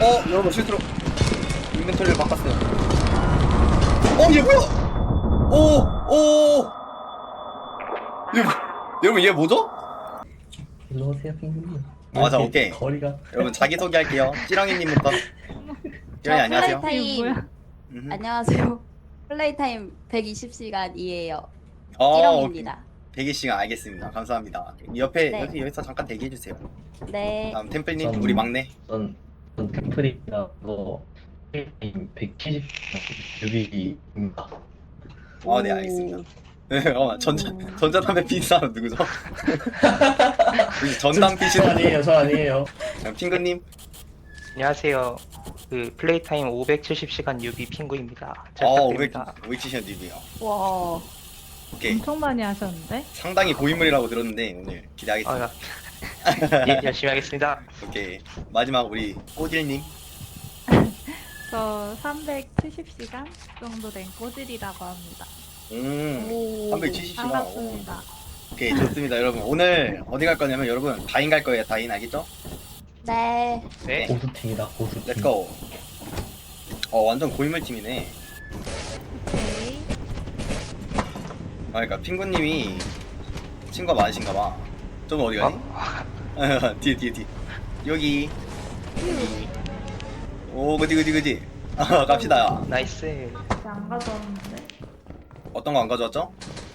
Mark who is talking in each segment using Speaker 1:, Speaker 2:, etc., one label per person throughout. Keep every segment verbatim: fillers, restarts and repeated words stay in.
Speaker 1: 어 여러분 실수로 인벤토리를 바꿨어요. 어 얘 뭐야? 오오 얘 뭐- 여러분 얘 뭐죠?
Speaker 2: 일로 오세요, 핑크님.
Speaker 1: 맞아,
Speaker 2: 이렇게
Speaker 1: 오케이.
Speaker 2: 거리가.
Speaker 1: 여러분 자기 소개할게요. 찌렁이님부터. 찌렁이
Speaker 3: 저
Speaker 1: 안녕하세요.
Speaker 3: 플레이타임
Speaker 4: 뭐야?
Speaker 1: 음흠.
Speaker 3: 안녕하세요. 플레이타임 백이십 시간이에요.
Speaker 1: 어,
Speaker 3: 찌렁입니다.
Speaker 1: 백이 시간 알겠습니다. 감사합니다. 옆에
Speaker 3: 네.
Speaker 1: 여기 여기서 잠깐 대기해 주세요.
Speaker 3: 네.
Speaker 1: 다음 템플님
Speaker 2: 전-
Speaker 1: 우리 막내.
Speaker 2: 전, 전 템플이라고 백칠십 유비입니다.
Speaker 1: 어, 네 알겠습니다. 네, 어, 전자
Speaker 3: 음.
Speaker 1: 전자담배 피는 사람 누구죠? 혹시 전담
Speaker 2: 저
Speaker 1: 피시는
Speaker 2: 아니에요, 저 아니에요.
Speaker 1: 핑크님?
Speaker 5: 안녕하세요. 그 플레이타임 오백칠십 시간 유비 핑구입니다. 잘
Speaker 1: 어, 오백
Speaker 5: 부탁드립니다.
Speaker 1: 오백칠십 뉴비요.
Speaker 3: 와.
Speaker 1: 오케이.
Speaker 4: 엄청 많이 하셨는데?
Speaker 1: 상당히 고인물이라고 들었는데 오늘 기대하겠습니다.
Speaker 5: 아, 예, 열심히 하겠습니다.
Speaker 1: 오케이. 마지막 우리 꼬질님.
Speaker 4: 저 삼백칠십 시간 정도 된 꼬질이라고 합니다.
Speaker 1: 음.
Speaker 3: 오.
Speaker 1: 삼백칠십 시간.
Speaker 4: 반갑습니다.
Speaker 1: 오케이, 좋습니다, 여러분. 오늘 어디 갈 거냐면 여러분 다인 갈 거예요. 다인 알겠죠?
Speaker 3: 네.
Speaker 5: 네.
Speaker 2: 고수팀이다, 고수팀.
Speaker 1: 렛츠고. 어, 완전 고인물 팀이네.
Speaker 4: 오케이.
Speaker 1: 아, 그러니까 핑구님이 친구가 많으신가 봐. 좀 어디 가니?
Speaker 5: 어?
Speaker 1: 뒤에 뒤에 뒤에. 여기. 여기. 오, 그지 그지 그지. 아, 갑시다.
Speaker 5: 나이스.
Speaker 4: 이제 안 가져왔는데?
Speaker 1: 어떤 거 안 가져왔죠?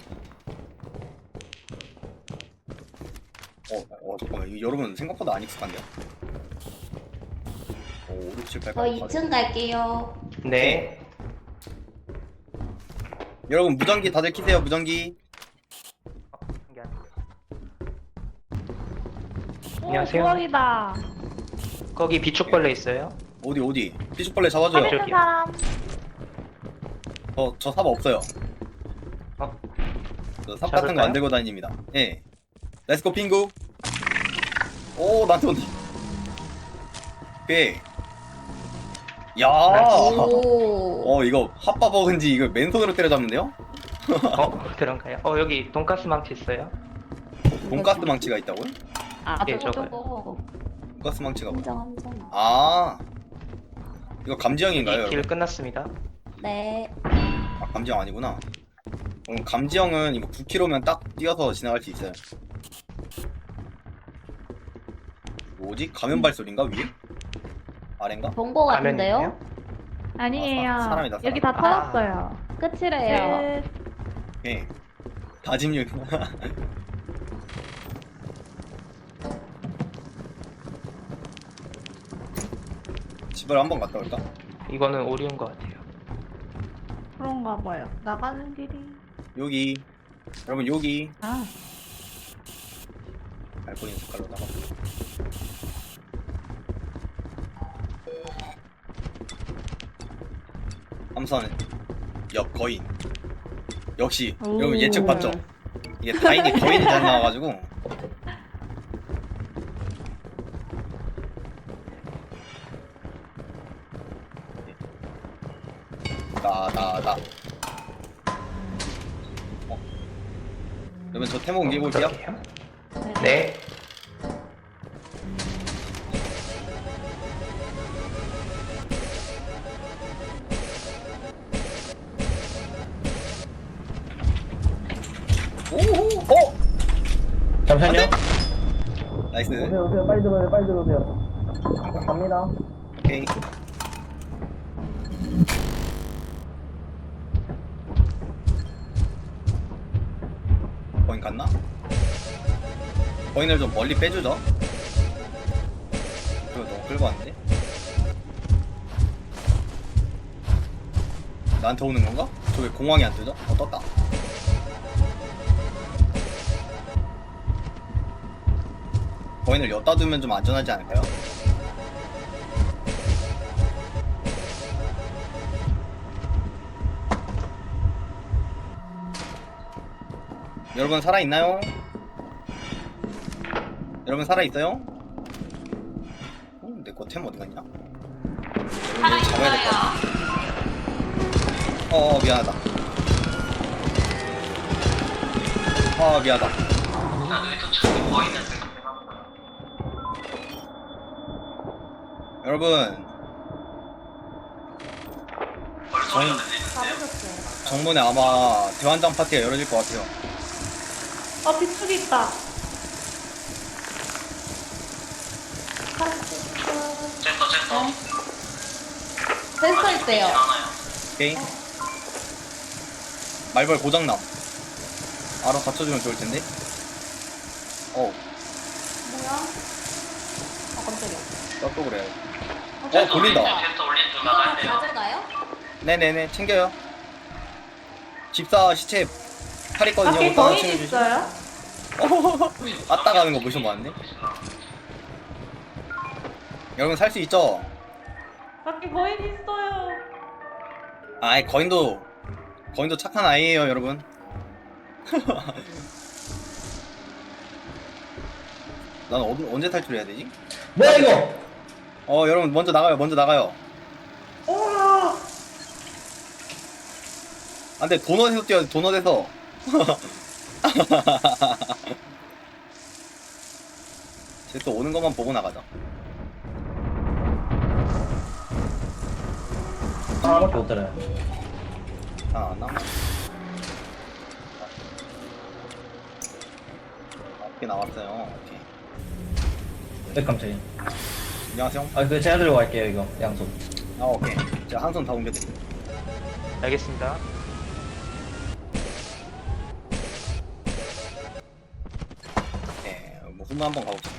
Speaker 1: 어, 어 잠깐만. 이거 여러분 생각보다 안 익숙한데요? 오, 오, 육, 칠, 팔,
Speaker 3: 저 이 층 갈게요.
Speaker 5: 네.
Speaker 1: 여러분 무전기 다들 키세요. 무전기.
Speaker 5: 안녕하세요.
Speaker 4: 오, 부엌이다.
Speaker 5: 거기 비축벌레 있어요?
Speaker 1: 어디 어디? 피슈벌레 잡아줘요.
Speaker 4: 삽 있는
Speaker 5: 저기요.
Speaker 4: 사람.
Speaker 1: 저, 저 사바 없어요.
Speaker 5: 어?
Speaker 1: 저 삽 같은 거
Speaker 5: 잡을까요?
Speaker 1: 안 들고 다닙니다. 예. 렛츠고 핑구. 오, 나한테 온다. 오케이. 야.
Speaker 3: 오.
Speaker 1: 어, 이거 핫바 버근지 이거 맨손으로 때려잡는데요?
Speaker 5: 어? 그런가요? 어, 여기 돈가스 망치 있어요?
Speaker 1: 돈가스 망치가 있다고요?
Speaker 3: 아,
Speaker 5: 예,
Speaker 3: 저거
Speaker 5: 저거요.
Speaker 3: 저거.
Speaker 1: 돈가스 망치가 뭐야?
Speaker 3: 함정 함정.
Speaker 1: 아. 이거 감지형인가요,
Speaker 5: 이 길
Speaker 1: 여러분?
Speaker 5: 끝났습니다.
Speaker 3: 네.
Speaker 1: 아, 감지형 아니구나. 음, 감지형은 이거 구 킬로미터면 딱 뛰어서 지나갈 수 있어요. 뭐지? 가면 발소리인가 위에? 아래인가?
Speaker 3: 본거 같은데요?
Speaker 5: 라면이에요?
Speaker 4: 아니에요.
Speaker 1: 아, 사- 사람이다, 사람.
Speaker 4: 여기 다
Speaker 5: 아.
Speaker 4: 터졌어요.
Speaker 3: 끝이래요.
Speaker 4: 끝.
Speaker 1: 예. 다짐력. 집을 한번 갔다 올까?
Speaker 5: 이거는 오리온 것 같아요.
Speaker 4: 그런가 봐요. 나가는 길이.
Speaker 1: 여기. 여러분 여기.
Speaker 4: 아,
Speaker 1: 알코올인 색깔로 나가. 함선 옆 거인. 역시
Speaker 4: 오.
Speaker 1: 여러분 예측 봤죠? 이게 다인이 거인이 잘 나와가지고. 나나나. 어. 그러면 저 태모 옮기고 올게요.
Speaker 5: 어떡해요? 네.
Speaker 1: 오호. 어.
Speaker 2: 잠시만요.
Speaker 1: 나이스.
Speaker 2: 오세요, 오세요. 빨리 들어오세요, 빨리 들어오세요. 갑니다.
Speaker 1: 오케이. 거인 갔나? 거인을 좀 멀리 빼주죠. 이거 너무 끌고 왔는데? 나한테 오는 건가? 저 왜 공황이 안 뜨죠? 어, 떴다. 거인을 엿다 두면 좀 안전하지 않을까요? 여러분 살아있나요? 여러분 살아있어요? 어, 내거 템 어디 갔냐? 여러분 잡아야 될 것 같아. 어어 미안하다. 아 미안하다. 여러분
Speaker 3: 가보셨어요.
Speaker 1: 정문에 아마 대환장 파티가 열어질 것 같아요.
Speaker 4: 어 빗줄이 있다.
Speaker 3: 센서 있대요.
Speaker 1: 오케이. 말벌 고장남. 알아 갖춰주면 좋을 텐데. 어,
Speaker 3: 뭐야? 아 깜짝이야.
Speaker 1: 또 그래요. 어, 돌린다.
Speaker 3: 이거 가져가요?
Speaker 1: 네네네, 챙겨요. 집사 시체 팔 있거든요.
Speaker 4: 밖에
Speaker 1: 이거 하나
Speaker 4: 거인
Speaker 1: 챙겨주시-
Speaker 4: 있어요?
Speaker 1: 아따 가는 거 모션 봤네. 여러분 살 수 있죠?
Speaker 4: 밖에 거인 있어요.
Speaker 1: 아이 거인도 거인도 착한 아이예요, 여러분. 난 어, 언제 탈출해야 되지?
Speaker 2: 뭐야 이거?
Speaker 1: 어, 여러분 먼저 나가요. 먼저 나가요.
Speaker 4: 우와.
Speaker 1: 안돼, 도넛에서 뛰어야 돼. 도넛에서. 쟤 또 오는 것만 보고 나가자.
Speaker 2: 하나밖에 못 들어요.
Speaker 1: 아, 안 남아. 어떻게 나왔어요? 오케이.
Speaker 2: 네, 깜짝이야.
Speaker 1: 안녕하세요.
Speaker 2: 아, 그 제가 들고 갈게요 이거 양손.
Speaker 1: 아, 오케이. 제가 한 손 다 옮겨드릴게요.
Speaker 5: 알겠습니다.
Speaker 1: 네, 뭐 후문 한번 가봅시다.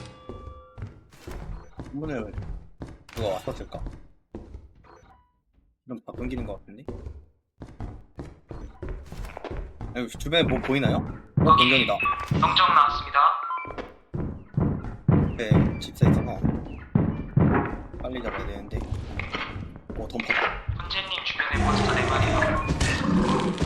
Speaker 1: 후문을 누가 왔었을까? 좀 다 끊기는 것 같은데? 아니, 주변에 뭐 보이나요? 어, 동전이다.
Speaker 5: 영정 나왔습니다.
Speaker 1: 네, 집사 있어서 빨리 잡아야 되는데. 오, 덤퍼다.
Speaker 5: 훈제님 주변에 몬스터 네 마리요.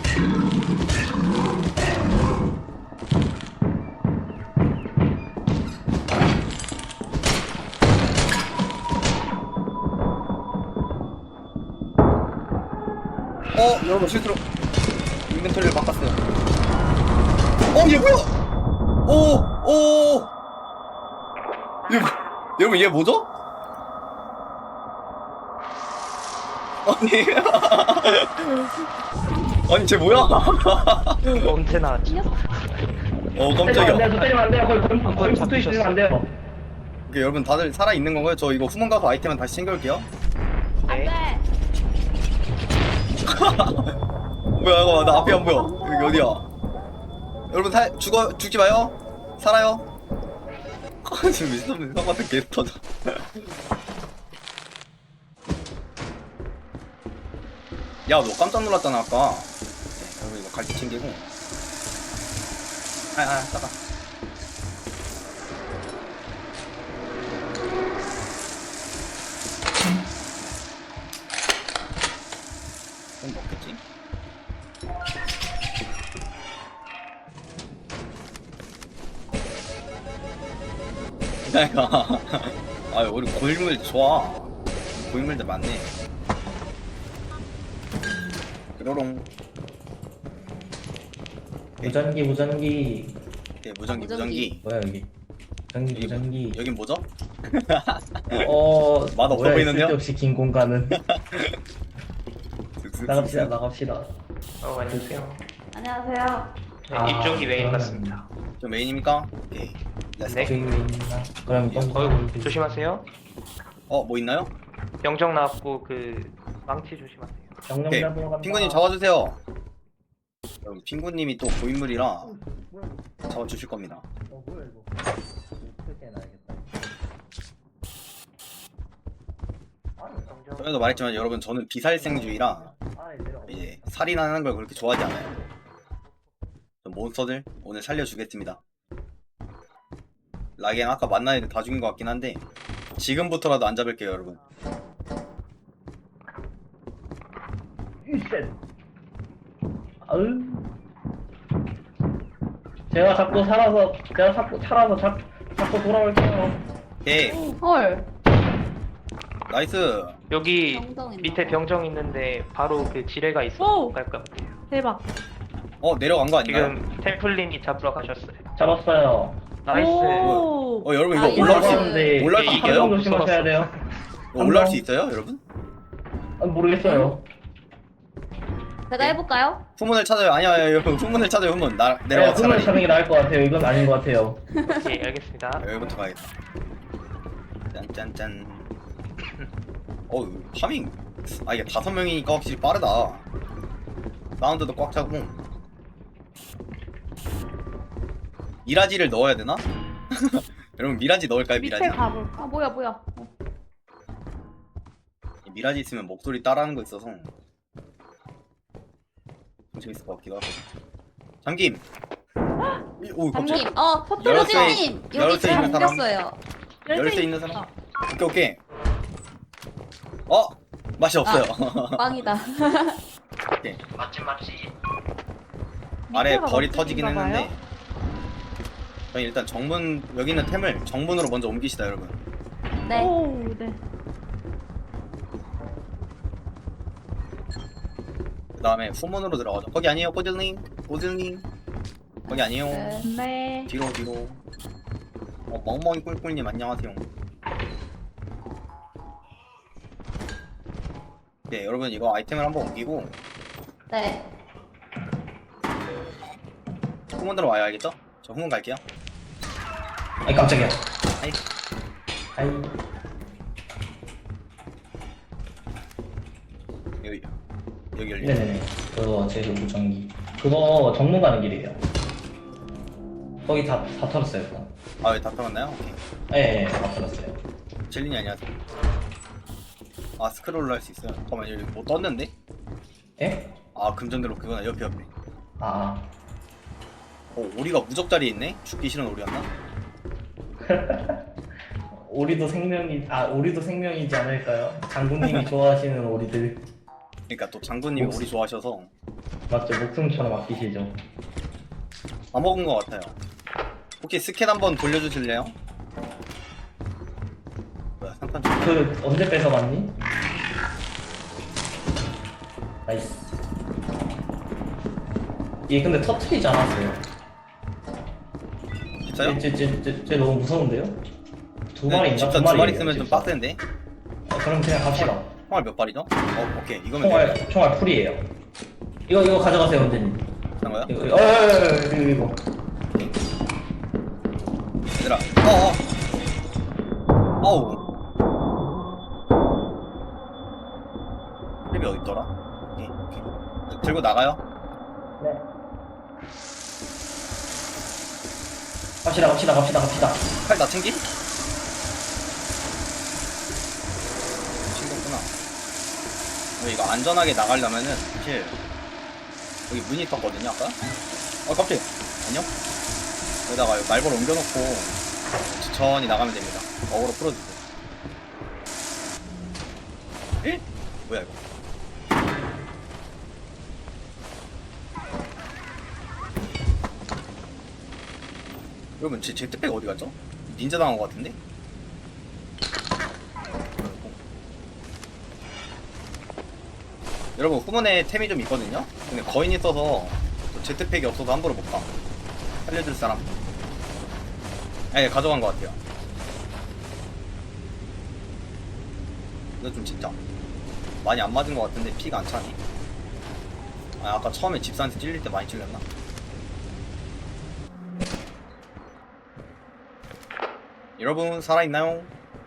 Speaker 1: 어, 여러분 실수로 인벤토리를 바꿨어요. 어, 얘 뭐야? 오, 오. 얘, 뭐- 여러분 얘 뭐죠? 아니, 아니 쟤 뭐야?
Speaker 5: 언제 나왔지?
Speaker 1: 어,
Speaker 2: 때리면 안
Speaker 1: 깜짝이야.
Speaker 2: 돼요. 저 때리면 안 돼요. 거의 거의 거의 붙어 있으면 안 돼요.
Speaker 1: 오케이, 여러분 다들 살아 있는 건가요? 저 이거 후문 가서 아이템은 다시 챙겨올게요.
Speaker 5: 네.
Speaker 3: 안돼.
Speaker 1: 뭐야, 이거 나 앞이 안 보여. 여기 어디야? 여러분 살 죽어 죽지 마요. 살아요. 지금 미친놈 같은 개 터져. 야, 너 깜짝 놀랐잖아 아까. 네, 여러분 이거 갈치 챙기고. 아, 아, 따가. 좀 먹겠지? 내가 아, 우리 고인물 좋아. 고인물들 많네. 뾰로롱.
Speaker 2: 무전기 무전기.
Speaker 1: 예, 무전기,
Speaker 3: 무전기.
Speaker 1: 무전기.
Speaker 2: 뭐야 여기? 무전기
Speaker 1: 여기 뭐-
Speaker 2: 무전기.
Speaker 1: 여긴 뭐죠?
Speaker 2: 어.
Speaker 1: 맛없어
Speaker 2: 뭐야,
Speaker 1: 보이는데요?
Speaker 2: 쓸데없이 긴 공간은. 나갑시다 나갑시다.
Speaker 5: 어, 안녕하세요.
Speaker 3: 안녕하세요.
Speaker 5: 네,
Speaker 2: 아,
Speaker 5: 이쪽이 메인
Speaker 2: 그러면-
Speaker 5: 같습니다.
Speaker 1: 저 메인입니까? 오케이. 렛츠고.
Speaker 5: 네.
Speaker 2: 주인이나 그럼 똥.
Speaker 5: 어이구, 조심하세요.
Speaker 1: 어, 뭐 있나요?
Speaker 5: 영정 나왔고 그 망치 조심하세요.
Speaker 2: 정령
Speaker 1: 오케이.
Speaker 2: 잡으러 간다.
Speaker 1: 핑구님 잡아주세요. 여러분, 핑구님이 또 고인물이라 잡아주실 겁니다.
Speaker 2: 어 뭐야 이거? 크게 나야겠다.
Speaker 1: 전에도 말했지만 여러분, 저는 비살생주의라
Speaker 2: 아 내려.
Speaker 1: 이제 살인하는 걸 그렇게 좋아하지 않아요. 저 몬스터들 오늘 살려주겠습니다. 라겐 아까 만난 애들 다 죽인 것 같긴 한데 지금부터라도 안 잡을게요, 여러분.
Speaker 2: 이쉣. 아으. 제가 자꾸 살아서 제가 자꾸 살아서 자, 자꾸 돌아올게요.
Speaker 1: 오케이,
Speaker 3: 헐.
Speaker 1: 나이스.
Speaker 5: 여기
Speaker 3: 병정 있나
Speaker 5: 밑에
Speaker 3: 봐.
Speaker 5: 병정 있는데 바로 그 지뢰가 있어.
Speaker 4: 오!
Speaker 5: 갈 것 같아요.
Speaker 4: 대박.
Speaker 1: 어, 내려간 거 아닌가요?
Speaker 5: 지금 템플린이 잡으러 가셨어요.
Speaker 2: 잡았어요.
Speaker 5: 나이스.
Speaker 4: 오.
Speaker 1: 어, 여러분 이거
Speaker 3: 아,
Speaker 1: 올라올 수,
Speaker 2: 올라가는데
Speaker 1: 올라올 수
Speaker 5: 이게
Speaker 1: 있어요?
Speaker 5: 너무
Speaker 2: 조심하셔야 돼요.
Speaker 1: 이거 올라올 수 있어요, 여러분?
Speaker 2: 아, 모르겠어요.
Speaker 3: 배달해볼까요?
Speaker 1: 후문을 찾아요. 아니야, 아니야, 후문을 찾아요. 후문. 나
Speaker 2: 네,
Speaker 1: 내려와
Speaker 2: 꿈을
Speaker 1: 차라리.
Speaker 2: 찾는 게 나을 것 같아요. 이건 아닌 것 같아요.
Speaker 5: 오케이, 알겠습니다.
Speaker 1: 여기부터 가야겠다. 짠짠짠. 어, 파밍. 아 이게 다섯 명이니까 확실히 빠르다. 사운드도 꽉 차고. 미라지를 넣어야 되나? 여러분 미라지 넣을까요?
Speaker 4: 밑에
Speaker 1: 미라지?
Speaker 4: 가볼까?
Speaker 3: 아 뭐야 뭐야. 어.
Speaker 1: 미라지 있으면 목소리 따라하는 거 있어서 좀 재밌을 것 같기도 하고. 잠김. 이- 오 깜짝.
Speaker 3: 잠님, 어 포트로즈님 여기
Speaker 1: 열쇠
Speaker 3: 제가
Speaker 1: 있는 사람?
Speaker 3: 옮겼어요.
Speaker 1: 열쇠 있는 사람?
Speaker 4: 있어.
Speaker 1: 오케이 오케이. 어 맛이 없어요.
Speaker 3: 빵이다.
Speaker 5: 맛집 맛집.
Speaker 1: 아래
Speaker 4: 밑에가
Speaker 1: 벌이
Speaker 4: 맛집인가
Speaker 1: 터지긴
Speaker 4: 봐요?
Speaker 1: 했는데 저희 일단 정문 여기 있는 템을 정문으로 먼저 옮기시다 여러분.
Speaker 3: 네.
Speaker 4: 오, 네.
Speaker 1: 그 다음에 후문으로 들어가죠. 거기 아니에요 꼬질님 꼬질님 거기 아니에요.
Speaker 3: 네.
Speaker 4: 네.
Speaker 1: 뒤로 뒤로. 어 멍멍이 꿀꿀님 안녕하세요. 네 여러분 이거 아이템을 한번 옮기고
Speaker 3: 네.
Speaker 1: 후문으로 와야 알겠죠? 저 후문 갈게요.
Speaker 2: 아이 깜짝이야.
Speaker 1: 아이.
Speaker 2: 아이.
Speaker 1: 여기 여기 열리.
Speaker 2: 네네네. 그거 제 무전기. 그거 정문 가는 길이에요. 거기 다, 다 털었어요. 일단.
Speaker 1: 아왜 다 털었나요? 오케이.
Speaker 2: 네, 네, 다 털었어요.
Speaker 1: 젤린이 안녕하세요. 아 스크롤로 할 수 있어요. 잠깐만 여기 뭐 떴는데?
Speaker 2: 예?
Speaker 1: 아 금전대로 그거나 옆에 옆에.
Speaker 2: 아.
Speaker 1: 어 오리가 무적자리에 있네? 죽기 싫은 오리였나?
Speaker 2: 오리도 생명이, 아, 오리도 생명이지 않을까요? 장군님이 좋아하시는 오리들.
Speaker 1: 그러니까 또 장군님이
Speaker 2: 목숨.
Speaker 1: 오리 좋아하셔서
Speaker 2: 맞죠? 목숨처럼 아끼시죠.
Speaker 1: 다 먹은 것 같아요. 혹시 스캔 한번 돌려주실래요? 뭐야 삼판 좀.
Speaker 2: 그, 언제 뺏어갔니? 나이스. 얘 근데 터트리지 않았어요.
Speaker 1: 진짜요?
Speaker 2: 쟤, 쟤, 쟤, 쟤 너무 무서운데요? 두
Speaker 1: 네,
Speaker 2: 마리인가?
Speaker 1: 집사
Speaker 2: 두
Speaker 1: 두 마리
Speaker 2: 마리예요,
Speaker 1: 쓰면 좀
Speaker 2: 집사.
Speaker 1: 빡센데?
Speaker 2: 어, 그럼 그냥 갑시다.
Speaker 1: 총알 몇 발이죠? 어 오케이 이거면
Speaker 2: 총알,
Speaker 1: 돼요.
Speaker 2: 총알 풀이에요. 이거, 이거 가져가세요, 원장님.
Speaker 1: 된 거야?
Speaker 2: 이거, 이거, 어, 어, 어, 어, 이거, 이거.
Speaker 1: 얘들아 어어 어우 랩이 어딨더라? 오케이 오케이 들고 나가요?
Speaker 2: 네. 갑시다, 갑시다, 갑시다, 갑시다.
Speaker 1: 칼 다 챙기? 챙겼구나. 근데 이거 안전하게 나가려면은 사실 여기 문이 떴거든요 아까? 어 깜짝이야 안녕? 여기다가 여기 말벌 옮겨놓고 천천히 나가면 됩니다. 어그로 풀어주세요. 에? 뭐야 이거? 여러분 제 제트백 어디 갔죠? 닌자 당한 것 같은데? 여러분 후문에 템이 좀 있거든요? 근데 거인이 써서 제트팩이 없어서 함부로 못 가. 살려줄 사람? 네 가져간 것 같아요. 근데 좀 진짜 많이 안 맞은 것 같은데 피가 안 차니? 아 아까 처음에 집사한테 찔릴 때 많이 찔렸나? 여러분 살아있나요?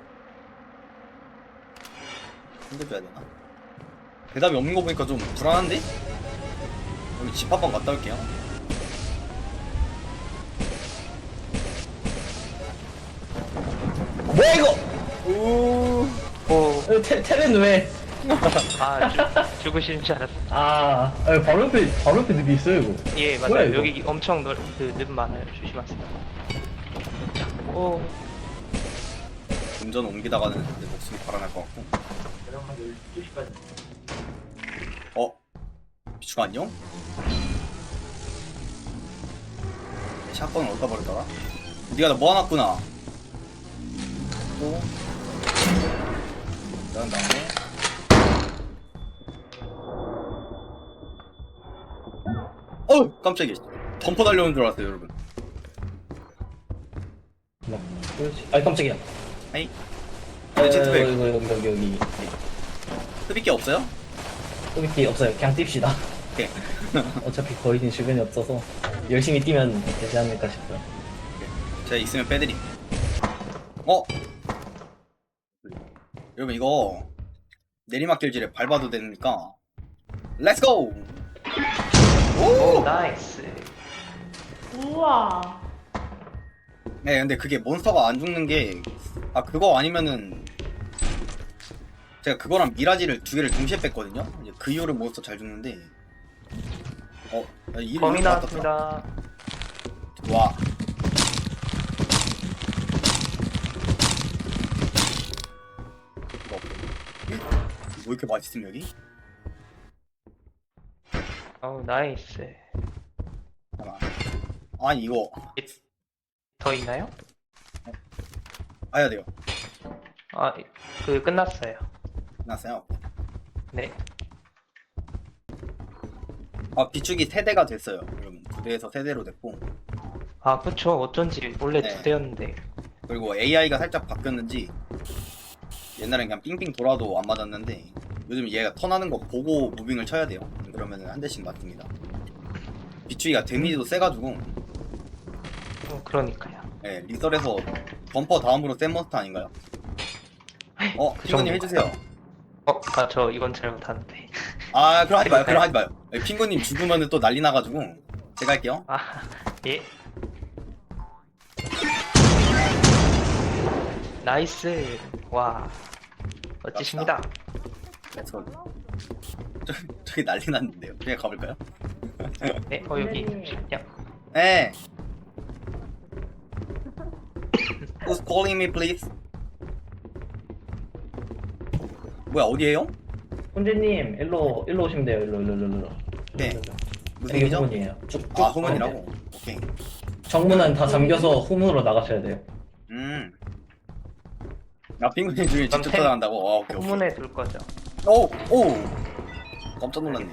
Speaker 1: 힘들어야 되나? 대답이 없는 거 보니까 좀 불안한데? 여기 집 한번 갔다 올게요.
Speaker 2: 뭐야, 이거!
Speaker 1: 오.
Speaker 5: 오,
Speaker 2: 어, 테, 테레는 왜?
Speaker 5: 아, 죽, 죽으시는 줄 알았어.
Speaker 2: 아, 아, 바로 옆에, 바로 옆에 늪이 있어요, 이거.
Speaker 5: 예,
Speaker 2: 뭐야,
Speaker 5: 맞아요.
Speaker 2: 이거?
Speaker 5: 여기 엄청 넓, 그, 늪 많아요. 조심하세요. 오,
Speaker 1: 운전 옮기다가는 내 목숨이 달아날 것 같고. 어? 비추가 안녕? 내 샷건을 어디다 버리더라? 니가 나 모아놨구나. 또 그런 다음에 어우 깜짝이야. 덤퍼 달려오는 줄 알았어요 여러분.
Speaker 2: 뭐, 그렇지. 아이, 깜짝이야.
Speaker 1: 아이
Speaker 2: 어,
Speaker 1: 내 제트백
Speaker 2: 이거, 여기, 여기, 여기.
Speaker 1: 흡입기 없어요?
Speaker 2: 소비티 없어요. 그냥 띱시다.
Speaker 1: 오케이.
Speaker 2: 어차피 거인이 주변에 없어서 열심히 뛰면 되지 않을까 싶어요.
Speaker 1: 제가 있으면 빼드림. 어? 여러분 이거 내리막길질에 밟아도 되니까 렛츠고!
Speaker 5: 오 나이스.
Speaker 4: 우와.
Speaker 1: 네 근데 그게 몬스터가 안 죽는 게 아 그거 아니면은 제가 그거랑 미라지를 두 개를 동시에 뺐거든요. 이제 그 이후로 몬스터 잘 죽는데 어? 야, 이
Speaker 5: 범이
Speaker 1: 이거
Speaker 5: 나왔습니다.
Speaker 1: 와 뭐, 뭐 이렇게 맛있음 여기?
Speaker 5: 어우 나이스.
Speaker 1: 잠깐만. 아니 이거
Speaker 5: 더 있나요?
Speaker 1: 해야 돼요.
Speaker 5: 아 그 끝났어요.
Speaker 1: 끝났어요.
Speaker 5: 네.
Speaker 1: 아 비축이 세대가 됐어요. 여러분 두 대에서 세 대로 됐고
Speaker 5: 아 그쵸. 어쩐지 원래
Speaker 1: 네.
Speaker 5: 두 대였는데.
Speaker 1: 그리고 에이아이가 살짝 바뀌었는지 옛날엔 그냥 삥삥 돌아도 안 맞았는데 요즘 얘가 턴하는 거 보고 무빙을 쳐야 돼요. 그러면 한 대씩 맞습니다. 비추기가 데미지도 세가지고
Speaker 5: 음, 그러니까요.
Speaker 1: 예, 리설에서 범퍼 다음으로 센 몬스터 아닌가요? 어,
Speaker 5: 그
Speaker 1: 핑구님
Speaker 5: 정도인가요?
Speaker 1: 해주세요.
Speaker 5: 어, 아, 저 이건 잘못하는데.
Speaker 1: 아, 그럼 하지 마요. 그럼 하지 마요. 예, 핑구님 죽으면 또 난리 나가지고 제가 할게요.
Speaker 5: 아, 예. 나이스. 와. 멋지십니다.
Speaker 1: 저, 저, 저기 난리 났는데요. 그냥 가볼까요?
Speaker 5: 네, 어, 여기 잠시만요.
Speaker 1: 네. Who's calling me, please? 뭐야, 어디에요?
Speaker 2: 훈제님 일로 일로 오시면 돼요. 일로 일로 일로 일로.
Speaker 1: 네.
Speaker 2: 일로, 일로.
Speaker 1: 무슨
Speaker 2: 이게
Speaker 1: 일이죠?
Speaker 2: 후문이에요. 쭉쭉.
Speaker 1: 아, 후문이라고? 오케이.
Speaker 2: 정문은 다 잠겨서 후문으로 나가셔야 돼요.
Speaker 1: 음. 아, 핑구님 중에
Speaker 5: 그럼
Speaker 1: 직접
Speaker 5: 템-
Speaker 1: 찾아간다고? 아, 오케이, 오케이.
Speaker 5: 후문에 둘 거죠.
Speaker 1: 오! 오! 깜짝 놀랐네.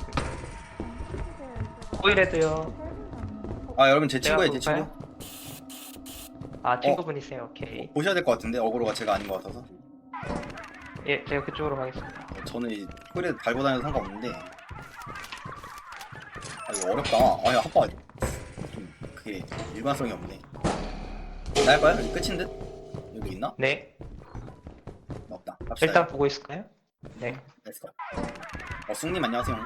Speaker 5: 오일헤드요.
Speaker 1: 아, 여러분 제 친구예요, 제
Speaker 5: 제가
Speaker 1: 친구.
Speaker 5: 아, 친구분이세요. 오케이.
Speaker 1: 보셔야 될 것 같은데, 어그로가 제가 아닌 것 같아서.
Speaker 5: 예, 제가 그쪽으로 가겠습니다.
Speaker 1: 저는 이 홀에 달고 다녀도 상관없는데. 아, 이거 어렵다. 아니, 아빠. 좀, 그게 일관성이 없네. 나할까요? 여기 끝인 듯? 여기 있나?
Speaker 5: 네.
Speaker 1: 없다. 갑시다.
Speaker 5: 일단 보고 있을까요? 네.
Speaker 1: 렛츠고. 어, 숭님 안녕하세요.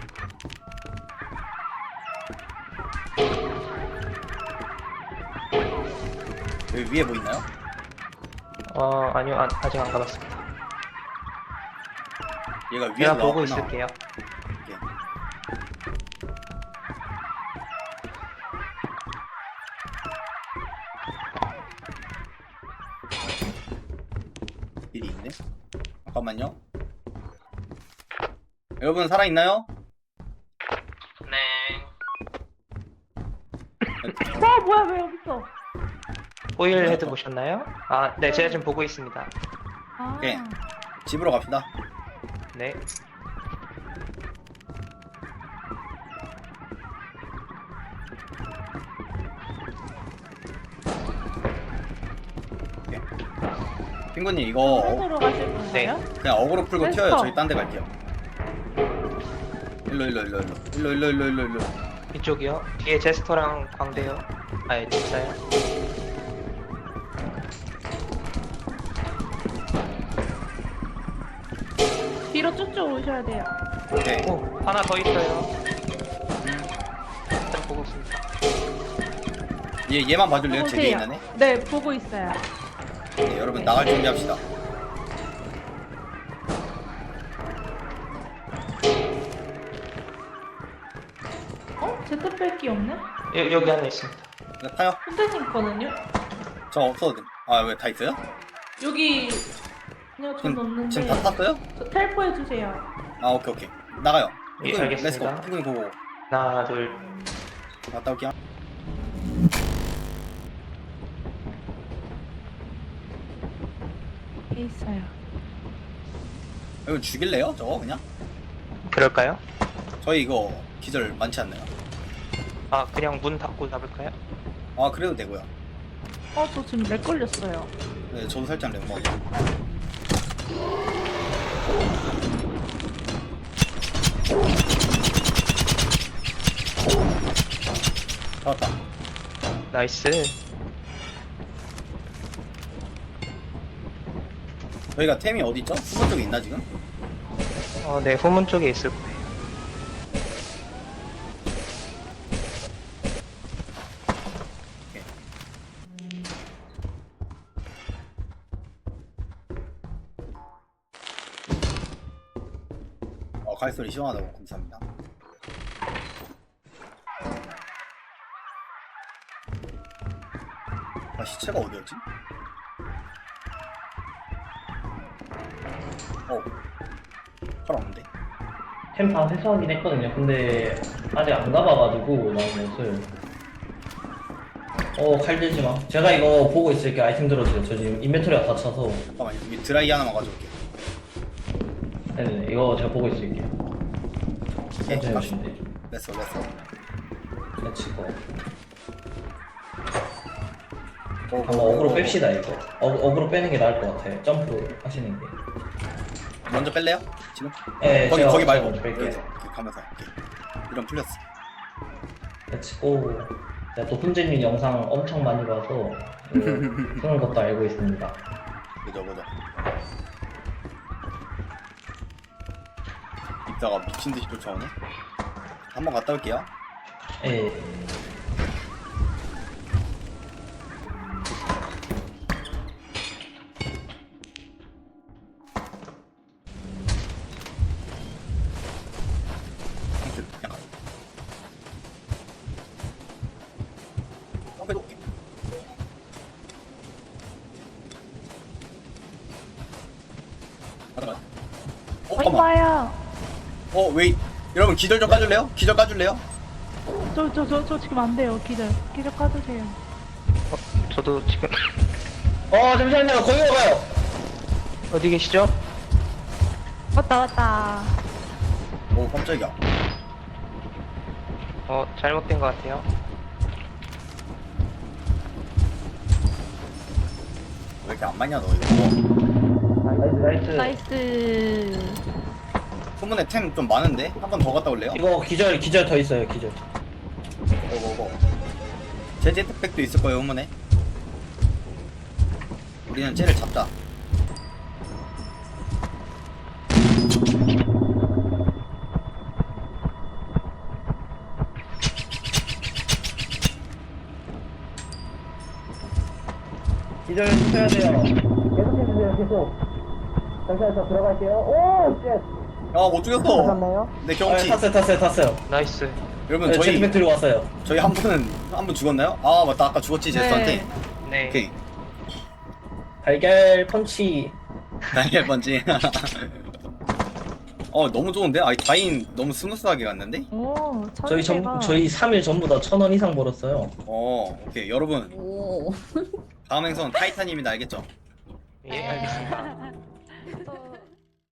Speaker 1: 여기 위에 뭐 있나요?
Speaker 5: 어, 아니요. 안, 아직 안 가봤습니다.
Speaker 1: 얘가 위에서
Speaker 5: 제가 보고
Speaker 1: 나왔구나.
Speaker 5: 있을게요.
Speaker 1: 오케이. 일이 있네? 잠깐만요. 여러분 살아있나요?
Speaker 5: 네.
Speaker 4: 와 뭐야 왜 여기 있어?
Speaker 5: 오일헤드 보셨나요? 아, 네. 제가 지금 보고 있습니다.
Speaker 4: 아.
Speaker 1: 오케이. 집으로 갑시다.
Speaker 5: 네.
Speaker 1: 핑구님 이거 어,
Speaker 4: 쪽으로 가실 건가요?
Speaker 5: 네.
Speaker 1: 그냥 어그로 풀고
Speaker 4: 렛츠고.
Speaker 1: 튀어요. 저희 딴 데 갈게요. 일로 일로 일로 일로 일로 일로 일로 일로 일로.
Speaker 5: 이쪽이요. 뒤에 제스터랑 광대요. 아, 예, 진짜요?
Speaker 4: 뒤로 쭉쭉 오셔야 돼요.
Speaker 1: 오케이.
Speaker 5: 오, 하나 더 있어요. 일단 보고 있습니다.
Speaker 1: 얘 얘만 봐줄래요? 제 뒤에
Speaker 4: 보세요.
Speaker 1: 있는 애?
Speaker 4: 네 보고 있어요.
Speaker 1: 네, 여러분 나갈 준비합시다.
Speaker 4: 어? 제트백이 없네?
Speaker 5: 여, 여기 하나 있습니다.
Speaker 1: 네, 타요.
Speaker 4: 선생님 거는요?
Speaker 1: 저 없어도 돼. 아 왜 다 있어요?
Speaker 4: 여기 그냥 전
Speaker 1: 지금
Speaker 4: 없는데
Speaker 1: 지금 다 탔어요?
Speaker 4: 저 텔포 해주세요.
Speaker 1: 아 오케이 오케이 나가요.
Speaker 5: 예,
Speaker 1: 핑구님,
Speaker 5: 알겠습니다.
Speaker 1: 렛츠고. 핑구님 고고.
Speaker 5: 하나, 둘.
Speaker 1: 갔다 올게요.
Speaker 4: 여기 있어요.
Speaker 1: 여러분 죽일래요? 저거 그냥?
Speaker 5: 그럴까요?
Speaker 1: 저희 이거 기절 많지 않나요?
Speaker 5: 아, 그냥 문 닫고 잡을까요?
Speaker 1: 아 그래도 되고요.
Speaker 4: 어 저 지금 렉 걸렸어요.
Speaker 1: 네 저도 살짝 렉 먹어.
Speaker 5: 나이스.
Speaker 1: 저희가 템이 어디 있죠? 후문 쪽에 있나 지금?
Speaker 5: 어, 네, 후문 쪽에 있을 거예요.
Speaker 1: 어, 칼소리 시원하다고 감사합니다. 아, 시체가 어디였지? 어, 팔 없는데?
Speaker 2: 템 다 회수하긴 했거든요. 근데 아직 안 가봐가지고 나온 옷을. 어, 칼 들지 마. 제가 이거 보고 있을게. 아이템 들어주세요. 저 지금 인벤토리가 다 차서.
Speaker 1: 잠깐만, 여기 드라이 하나만 가져올게.
Speaker 2: 네네, 이거 제가 보고 있을게요.
Speaker 1: 오케이,
Speaker 2: 천천히
Speaker 1: 갑시다.
Speaker 2: 오시면 되죠.
Speaker 1: 렛츠고, 렛츠고.
Speaker 2: let's go.
Speaker 1: 어,
Speaker 2: 한번
Speaker 1: 어,
Speaker 2: 어그로
Speaker 1: 어,
Speaker 2: 뺍시다 이거. 어, 어그로 빼는 게 나을 것 같아요. 점프 하시는 게.
Speaker 1: 먼저 뺄래요? 지금?
Speaker 2: 네,
Speaker 1: 거기,
Speaker 2: 제가
Speaker 1: 거기 말고.
Speaker 2: 먼저 뺄게요.
Speaker 1: 여기서. 이렇게 가면서. 오케이. 이런 풀렸어.
Speaker 2: let's go. 제가 또 훈제님 영상 엄청 많이 봐서 이거 푸는 것도 알고 있습니다.
Speaker 1: 그죠, 그죠. 이따가 미친듯이 쫓아오네? 한번 갔다 올게요.
Speaker 2: 예.
Speaker 1: 땡큐, 그냥 가. 어, 그래도 오케이. 가자, 가자. 어,
Speaker 4: 어이
Speaker 1: 잠깐만.
Speaker 4: 봐요.
Speaker 1: 어, 웨이. 여러분, 기절 좀 까줄래요? 기절 까줄래요?
Speaker 4: 저 저 저 저 지금 안 돼요. 기절 기절 까주세요.
Speaker 5: 저도 지금
Speaker 2: 어, 잠시만요. 거기 가요.
Speaker 5: 어디 계시죠?
Speaker 4: 왔다 왔다.
Speaker 1: 오, 깜짝이야.
Speaker 5: 어, 잘못된 것 같아요.
Speaker 1: 왜 이렇게 안 맞냐, 너 이거.
Speaker 2: 나이스, 나이스.
Speaker 4: 나이스.
Speaker 1: 소문에 템 좀 많은데? 한 번 더 갔다 올래요?
Speaker 2: 이거 기절, 기절 더 있어요. 기절.
Speaker 1: 고고고. 제 제트팩도 있을 거예요, 후문에. 우리는 쟤를 잡자.
Speaker 2: 기절 쳐야 돼요. 계속 해주세요. 계속. 잠시만 저 들어갈게요. 오, 쉣.
Speaker 1: 야, 못 죽였어.
Speaker 2: 탔나요?
Speaker 1: 네,
Speaker 2: 아,
Speaker 1: 경치.
Speaker 2: 탔어요, 탔어요, 탔어요.
Speaker 5: 나이스.
Speaker 1: 여러분,
Speaker 2: 네,
Speaker 1: 저희,
Speaker 2: 제트팩 들고 왔어요.
Speaker 1: 저희 한 분은, 한 분 죽었나요? 아, 맞다. 아까 죽었지, 제스한테.
Speaker 5: 네.
Speaker 1: 오케이.
Speaker 2: 달걀 펀치.
Speaker 1: 다이엘 번지. 어, 너무 좋은데? 아, 다인 너무 스무스하게 갔는데?
Speaker 4: 오
Speaker 2: 저희 전,
Speaker 4: 천재가.
Speaker 2: 저희 삼 일 전부 다 천 원 이상 벌었어요.
Speaker 1: 어, 오케이. 여러분,
Speaker 3: 오.
Speaker 1: 다음 행선 타이탄입니다. 알겠죠?
Speaker 5: 예, 알겠습니다.
Speaker 4: 또